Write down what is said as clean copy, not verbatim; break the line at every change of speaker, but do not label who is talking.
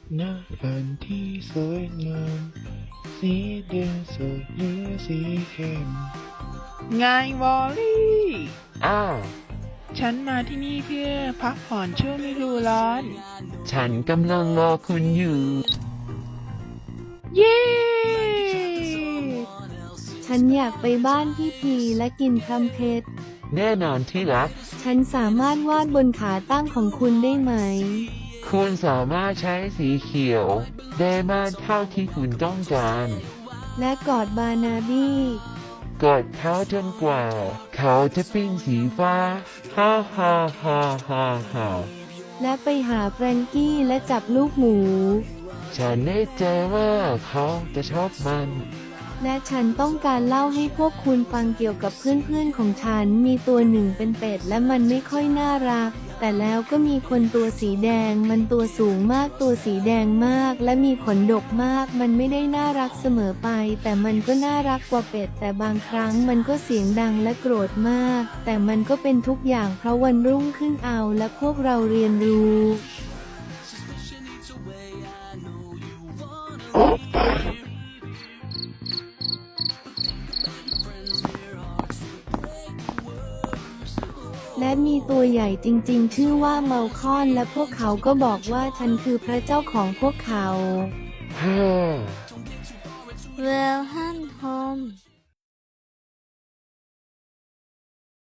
ณฝันที่สวยงามสีแดงสดหรือสีเข้มไงวอลลี่
อ้าว
ฉันมาที่นี่เพื่อพักผ่อนช่วงฤดูร้อน
ฉันกำลังรอคุณอยู่
เย้
ฉันอยากไปบ้านพี่พีและกินพลัมเพชร
แน่นอนที่รัก
ฉันสามารถวาดบนขาตั้งของคุณได้ไหม
คุณสามารถใช้สีเขียว ได้มากเท่าที่คุณต้องการ
และกอดบานาบี้
กดเขาจนกว่า เขาจะเป็นสีฟ้า ฮ่าฮ่าฮ่าฮ่าฮ่า
และไปหาแฟรงกี้และจับลูกหมู
ฉันแน่ใจว่าเขาจะชอบมัน
และฉันต้องการเล่าให้พวกคุณฟังเกี่ยวกับเพื่อนๆของฉัน มีตัวหนึ่งเป็นเป็ดและมันไม่ค่อยน่ารัก แต่แล้วก็มีคนตัวสีแดง มันตัวสูงมากตัวสีแดงมาก และมีขนดกมาก มันไม่ได้น่ารักเสมอไป แต่มันก็น่ารักกว่าเป็ด แต่บางครั้งมันก็เสียงดังและโกรธมาก แต่มันก็เป็นทุกอย่างเพราะวันรุ่งขึ้นเอาและพวกเราเรียนรู้ และมีตัวใหญ่จริงๆ ชื่อว่าเมาคอน และพวกเขาก็บอกว่าฉันคือพระเจ้าของพวกเขา
ฮ่า
Well, ฮันโฮม